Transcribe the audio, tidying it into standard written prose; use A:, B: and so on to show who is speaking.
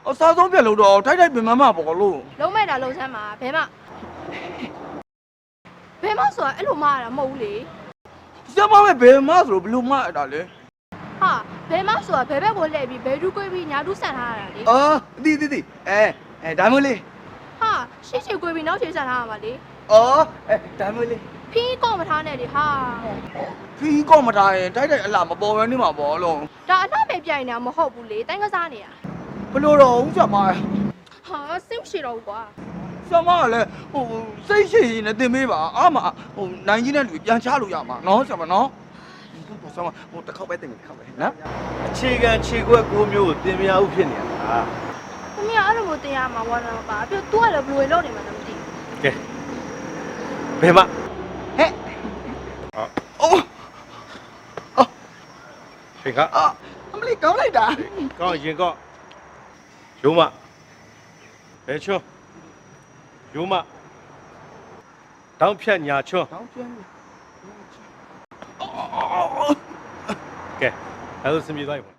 A: စားဆုံးပြက်လို့တော့ထိုက်ထိုက်ပင်မမပေါ့လို့
B: လုံးမဲ့တာလုံးချမ်းမှာဘဲမဆိုတာအဲ့လိုမရတာမဟုတ်ဘူးလေ
A: ဆရာမပဲဘယ်မဆိုလို့ဘလို့မအဲ့ဒါလေ
B: ဟာဘဲမဆိုတာဘဲဘက်ကိုလှည့်ပြီးဘဲဒူးကွေးပြီးညာဒူးဆန်ထားရတာလေ
A: အော်တီဒါမျိုးလေး
B: ဟာရှေ့ချေကွေးပြီးနောက်ချေဆန်ထားရမှာလေ
A: အော်ဒါမျိုးလေး
B: ဖီးကော့မထားနဲ့လေဟာ
A: ဖီးကောမထားရင်ထိုက်ထိုက်အလားမပေါ်ဘဲနေမှာပေါ့လို့
B: ဒါအလှပဲပြိုင်နေတာမဟုတ်ဘူးလေတိုင်းကစားနေတာ
A: ဘလို့တော့ဦးဆရာမ
B: ဟာစိတ်မရှိတော့ဘူးကွာ
A: ဆရာမကလည်းစိတ်ရှိရင်လည်းတင်ပေးပါအားမနိုင်ကြီးတဲ့လူပြန်ချလို့ရမှာနော်ဆရာမနော်ဆရာမတစ်ခေါက်ပဲတင်တစ်ခေါက်ပဲနော်
C: အခြေခံခြေခွက်ကိုမျိုးကိုတင်မရဘူးဖြစ်နေတာ
B: သမီးကအဲ့လိုမျိုးတင်ရမှာဝါနာမပါပြီးတော့ तू ကလည်းဘယ်လိုလုပ်နေမှန်းမသိဘူး
C: ကဲဘယ်မှာ
A: ဟဲ့အော်
C: ရှင်က
A: အမလေးကောင်းလိုက်တာ
C: ကောင်းရင်ကောရုံးမဘယ်ချွန်းရုံးမတောင်းဖြတ်ညာချွန်း
A: ကောင်းပြန်
C: ကဲအဲ့လိုစမြည်သွားပြီ